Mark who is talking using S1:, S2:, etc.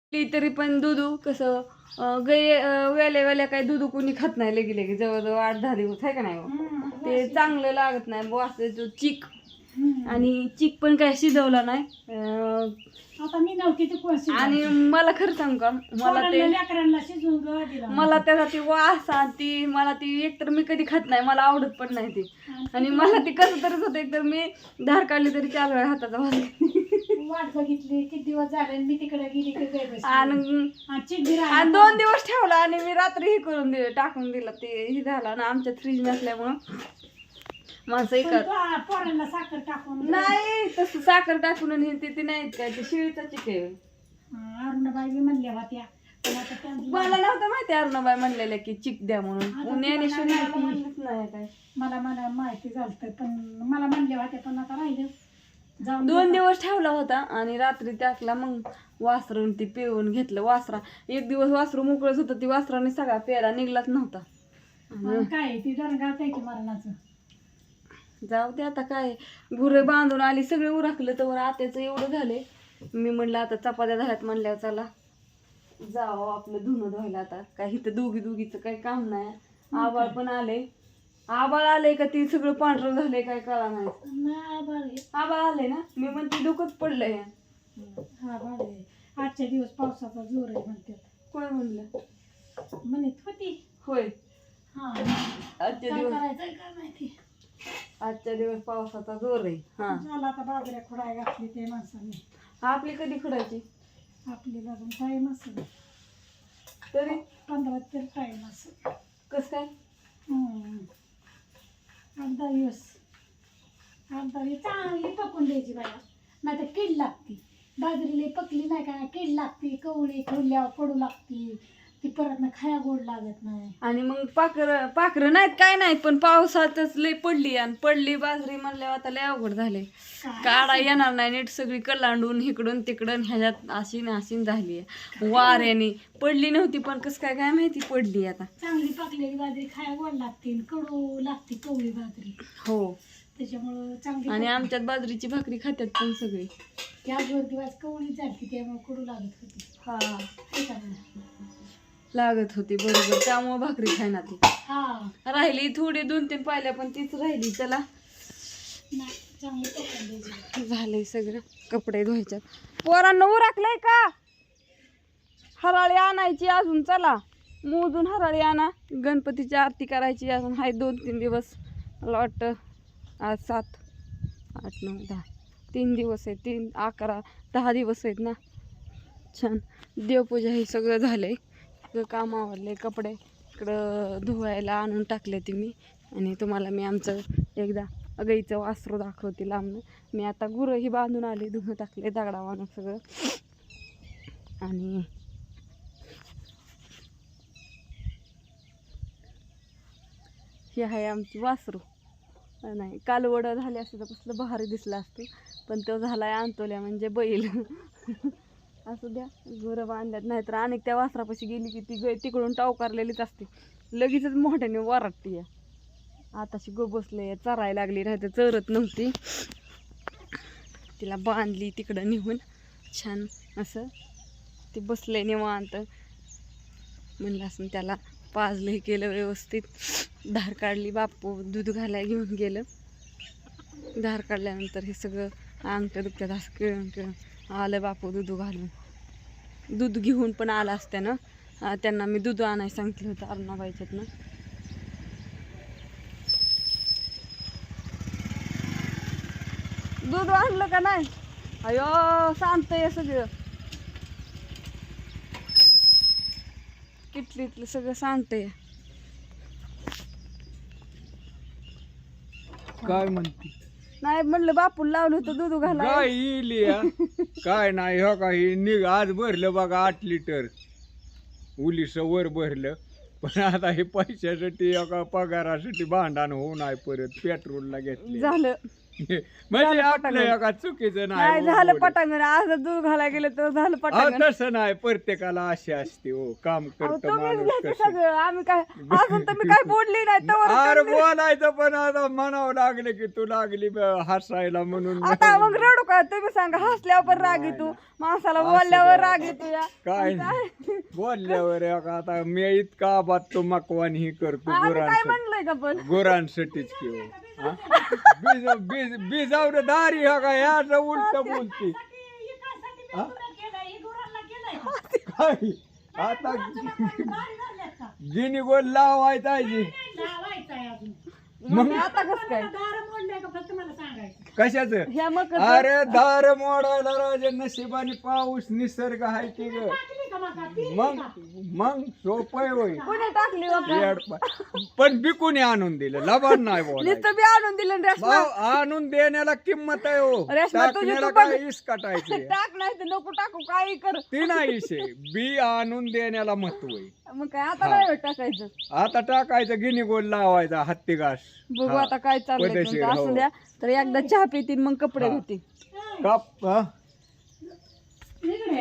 S1: तरी पण दूध कसं वेल्या काही दूध कोणी खात नाही लगे जवळजवळ 8-10 दिवस आहे का नाही हो? ते चांगलं लागत नाही वासाचं चिक. आणि चिक पण काय शिजवला नाही.
S2: आता मी नव्हती ते कोण
S1: आणि मला खरं सांगू का मला त्याचा ती वास ती मला ती एकतर मी कधी खात नाही, मला आवडत पण नाही ती. आणि मला ती कसं तरच होतं, एकतर मी धार काढली तरी 4 वेळा हाताचा वास
S2: वाट बघितली किती दिवस झाले मी तिकडे गेली
S1: आणि 2 दिवस ठेवला आणि मी रात्री हे करून दिलं टाकून दिलं ते हे झालं ना आमच्यात फ्रीज नसल्यामुळं माणसं
S2: पोरांना साखर टाकून
S1: नाही तसं साखर टाकून आणि ते नाहीत काय ते शिळीचा चिक आहे.
S2: अरुणाबाई मी म्हणल्या होत्या
S1: मला नव्हतं माहिती अरुणाबाई म्हणलेल्या की चिक द्या म्हणून
S2: मला माहिती झालं पण मला म्हणल्या होत्या पण आता राहिलं.
S1: 2 दिवस ठेवला होता आणि रात्री टाकला मग वासरून ती पिळून घेतलं. वासरा एक दिवस वासरू मोकळच होतं, ती वासराने सगळा पेरा निघलाच नव्हता.
S2: काय ती दरगावत आहे की मरणाचं.
S1: जाऊ दे आता काय गुरे बांधून आली सगळे उरकलं तर आत्याचं एवढं झाले. मी म्हणलं आता चपात्या झाल्यात म्हणल्यावर चला जावं आपलं धुणं धुवायला. आता काय इथं दोघीचं काही काम नाही. आबाळ पण आले. आबाळ आले का ती सगळं पांढरं झालंय काय कळा नाही. आबाळ आले ना मी म्हणते डोकंच पडलंय.
S2: आजच्या दिवस पावसाचा जोर आहे म्हणतात.
S1: कोण म्हणलं
S2: म्हणत होती
S1: होय.
S2: आजच्या
S1: दिवस पावसाचा जोर आहे. हा
S2: झाला आता बाजऱ्या खुडाय घातली ते माणसाने.
S1: आपली कधी खुडायची?
S2: आपली अजून टाईम असेल
S1: तरी
S2: 15 तरी टाईम असेल.
S1: कस काय
S2: 8-10 दिवस. 8-10 दिवस चांगली पकून द्यायची बाया, नाही तर कीड लागती. बाजरीला पकली नाही का कीड लागती, कवळी खोलल्यावर पडू लागती, ती परत ना खाया गोड लागत नाही.
S1: आणि मग पाखरं नाहीत काय नाहीत पण पावसातच लय पडली आणि पडली बाजरी म्हणल्यावर आता लय अवघड झाले. काढा येणार नाही नीट, सगळी कलांडून इकडून तिकडून ह्याच्यात आशीन झाली. वाऱ्याने पडली नव्हती पण कस काय काय माहिती पडली. आता
S2: चांगली पकलेली बाजरी खाया गोड लागते, कडू लागते कवळी बाजरी.
S1: हो
S2: त्याच्यामुळं चांगली.
S1: आणि आमच्यात बाजरीची भाकरी खात्यात पण सगळी.
S2: त्या 2 दिवस कवळी झाली त्यामुळे कडू लागत होती.
S1: हा लागत होती बरोबर, त्यामुळे भाकरी खायना ती. राहिली थोडी 2-3 पाहिल्या पण तीच राहिली. चला झालंय सगळं. कपडे धुवायच्यात. पोरांना उरकलंय का? हराळी आणायची अजून. चला मोजून हराळी आणा. गणपतीची आरती करायची अजून हाय 2-3 दिवस. मला वाटतं आज 7, 8, 9, 10 3 दिवस आहेत. 3, 11, 10 दिवस आहेत ना. छान देवपूजा हे सगळं झालंय. काम आवडले. कपडे इकडं धुवायला आणून टाकले ते मी. आणि तुम्हाला मी आमचं एकदा गाईचं वासरू दाखवते लांबून. मी आता गुरंही बांधून आले, धुवं टाकले दगडा बांधून सगळं. आणि हे आहे आमची वासरू. नाही कालवड झाले असते तर कसलं भारी दिसलं असतं, पण तो झालाय आणतोल्या म्हणजे बैल. असू द्या गुरं बांधल्यात. नाहीतर अनेक त्या वासरापाशी गेली की ती तिकडून टावकारलेलीच असते, लगेचच मोठ्याने वराटती. आताशी गो बसले चरायला लागली, नाही तर चरत नव्हती. तिला बांधली तिकडं निघून छान असं. ती बसले निवांत. म्हणलं असं त्याला पाजलं हे केलं व्यवस्थित. धार काढली. बापू दूध घालायला घेऊन गेलं. धार काढल्यानंतर हे सगळं अंगठ्या दुखत्यात असं किळून आलं बापू दूध घालून. दूध घेऊन पण आला असत्यानं. त्यांना मी दूध आणायला सांगितलं होतं अरुणाबाईच्यातनं. दूध आणलं का नाही? अयो सांगतंय सगळं. किटलीतलं सगळं सांगतंय.
S3: काय म्हणते?
S1: नाही म्हणलं बापू लावलं होतं दूध घाला.
S3: काय येईल काय नाही. हो का निघ आज भरलं बघा 8 लिटर उलीस वर भरलं. पण आता हे पैशासाठी का पगारासाठी भांडण होऊ नाही परत पेट्रोलला घेतलं
S1: झालं.
S3: म्हणजे आपलं एका चुकीचं
S1: नाही
S3: नाही
S1: झालं
S3: हो,
S1: पटांगण आज दूध घालायला गेलं तर झालं
S3: अहो,
S1: पटांगण.
S3: तसं नाही प्रत्येकाला अशी असते हो काम
S1: अहो,
S3: करत
S1: तुम्हीच
S3: माणूस
S1: घ्यायचं
S3: कसं
S1: सगळं आम्ही काय अजून तर मी काय बोलली नाही तर
S3: अरे बोलायचं पण आता म्हणावं लागलं की तू लागली हसायला म्हणून
S1: आता मग रडू का तुम्ही सांगा हसल्यावर पण राग येतो माणसाला बोलल्यावर राग येतो या
S3: काय नाही बोलल्यावर एक आता मी इतका आबाद तो मकवान ही करतो
S1: आम्ही काय
S3: गुरांसाठी
S1: म्हणलंय का पण
S3: गुरांसाठीच की हो. हा? बीजावर दारी हा का याच उलट बोलती हा? काय आता गिनी गोल लावायचा आहे.
S1: मग आता कसं काय
S3: कशाच
S1: ह्या मग
S3: अरे दार मोडायला राजे नशिबाने पाऊस निसर्ग आहे की ग मग सोपय होय
S1: कोणी टाकली बाबा?
S3: येड पण बिकुनी आणून दिलं लबाड नाही बोलायचं.
S1: नुसतं बी आणून दिलं ना रेशमा.
S3: भाऊ, आणून देण्याला किंमत आहे हो
S1: रेशमा, तुझी
S3: टाकण्याला
S1: तू बघ.
S3: काय इस काटायची
S1: टाक नाही तर नको टाकू काही कर
S3: ती नाही शे बी आणून देण्याला महत्व आहे.
S1: मग काय आता नाही टाकायचं.
S3: आता टाकायचं गिनी गोल लावायचा हत्ती घास
S1: बघू
S3: हा.
S1: आता काय चाललंय
S3: पद्धतशीर,
S1: तुमचं. असू
S3: हो.
S1: द्या तर एकदा चहा पितील मग कपडे
S3: हा.
S1: घेतील.
S3: काप हा?